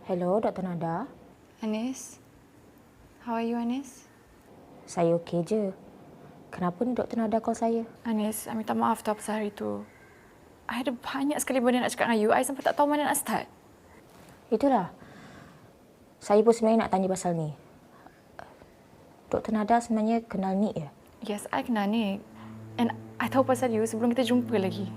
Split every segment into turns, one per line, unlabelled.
Hello, Dr. Nada.
Anis? How are you, Anis?
Saya okey je. Kenapa ni Dr. Nada call saya?
Anis, I minta maaf tau pasal hari tu. I ada banyak sekali benda nak cakap dengan you. I sampai tak tahu mana nak start.
Itulah. Saya pun sebenarnya nak tanya pasal ni. Dr. Nada sebenarnya kenal Nick ya?
Yes, I kenal Nick. And I tahu pasal you sebelum kita jumpa lagi.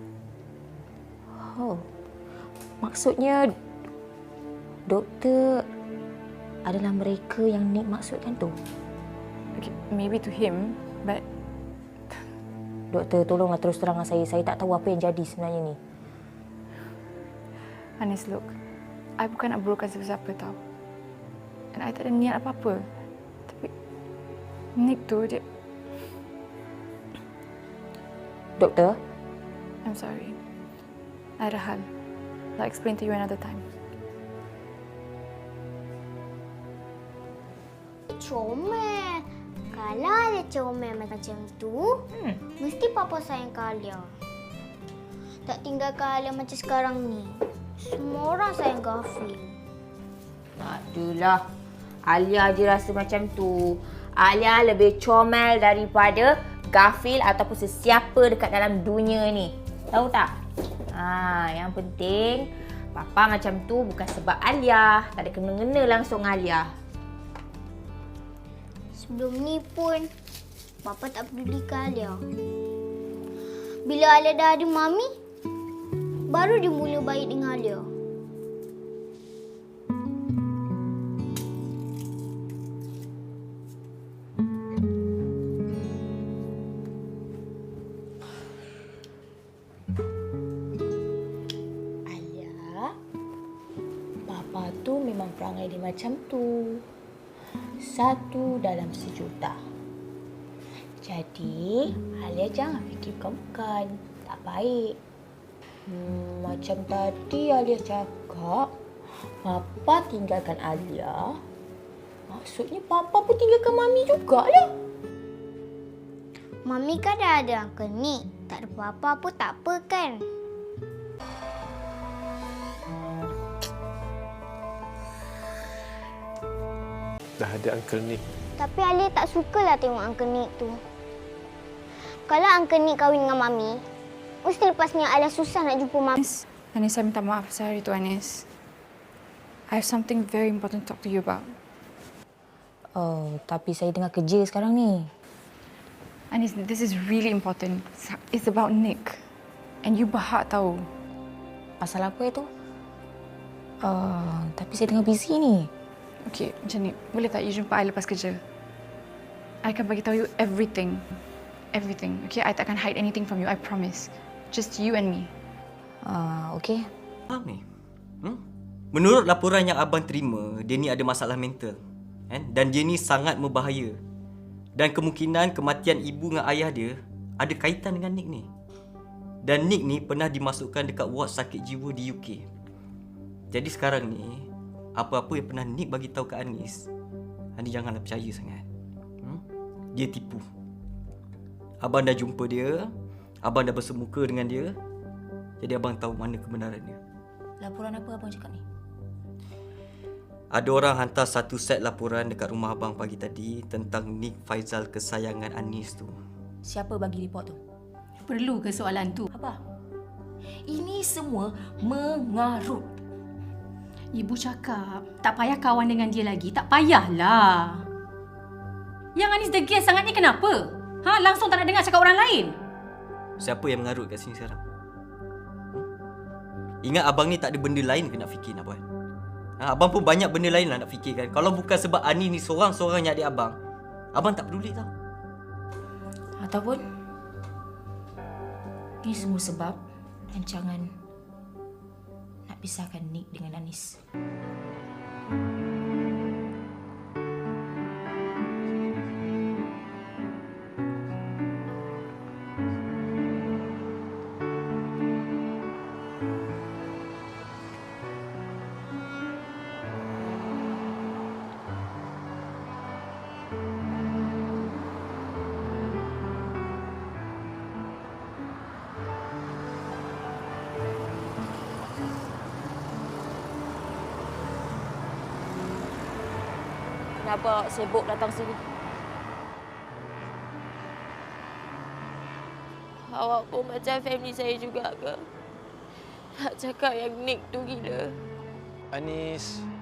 Oh. Maksudnya doktor adalah mereka yang Nick maksudkan tu?
Okay, maybe to him, but
Doktor, tolonglah terus terang dengan saya. Saya tak tahu apa yang jadi sebenarnya ni.
Anis, look. I bukan nak burukkan siapa-siapa tau. And I tak ada niat apa-apa. Tapi Nick tu, dia...
Doktor?
I'm sorry. I ada hal. I'll explain to you another time.
Comel. Kalau ada comel macam tu, mesti Papa sayang Alia. Tak tinggalkan Alia macam sekarang ni. Semua orang sayang Gafil.
Tak adalah. Alia je rasa macam tu. Alia lebih comel daripada Gafil ataupun sesiapa dekat dalam dunia ni. Tahu tak? Yang penting Papa macam tu bukan sebab Alia. Tak ada kena-mengena langsung Alia.
Sebelum ni pun, Papa tak pedulikan Alia. Bila Alia dah ada Mami, baru dia mula baik dengan Alia.
Alia, Papa tu memang perangai dia macam tu. 1 dalam sejuta. Jadi, Alia jangan fikir bukan-bukan. Tak baik. Macam tadi Alia cakap, Papa tinggalkan Alia. Maksudnya Papa pun tinggalkan Mami jugalah.
Mami kan dah ada Uncle Nick. Tak ada Papa pun tak apa kan?
Dah ada Uncle Nick.
Tapi Alia tak sukalah tengok Uncle Nick tu. Kalau Uncle Nick kahwin dengan Mami, mesti lepasnya Alia susah nak jumpa Mami.
Anis, saya minta maaf pasal hari tu, Anis. I have something very important to talk to you about.
Oh, tapi saya tengah kerja sekarang ni.
Anis, this is really important. It's about Nick. And you berhak tahu.
Pasal apa itu? Tapi saya tengah busy ni.
Okay, macam ni. Boleh tak you jumpa I lepas kerja? I akan bagi tahu you everything. Everything. Okay, I tak akan hide anything from you. I promise. Just you and me.
Okey.
Faham ni? Menurut laporan yang abang terima, dia ni ada masalah mental. Dan dia ni sangat berbahaya. Dan kemungkinan kematian ibu dengan ayah dia ada kaitan dengan Nick ni. Dan Nick ni pernah dimasukkan dekat ward sakit jiwa di UK. Jadi sekarang ni, apa-apa yang pernah Nick bagi tahu ke Anis, Anis janganlah percaya sangat. Dia tipu. Abang dah jumpa dia, abang dah bersemuka dengan dia. Jadi abang tahu mana kebenaran dia.
Laporan apa abang cakap ni?
Ada orang hantar satu set laporan dekat rumah abang pagi tadi tentang Nick Faizal kesayangan Anis tu.
Siapa bagi report tu?
Perlu ke soalan tu?
Apa? Ini semua mengarut.
Ibu cakap, tak payah kawan dengan dia lagi. Tak payahlah. Yang Anis degil sangat ni kenapa? Langsung tak nak dengar cakap orang lain?
Siapa yang mengarut kat sini sekarang? Ingat abang ni tak ada benda lain ke nak fikir nak buat? Abang pun banyak benda lain lah nak fikirkan. Kalau bukan sebab Ani ni seorang-seorang yang adik abang, abang tak peduli tau.
Ataupun ini semua sebab rancangan nak pisahkan Nick dengan Anis. Kenapa awak sibuk datang sini? Awak pun macam family saya juga ke? Nak cakap yang Nick tu gila.
Anis,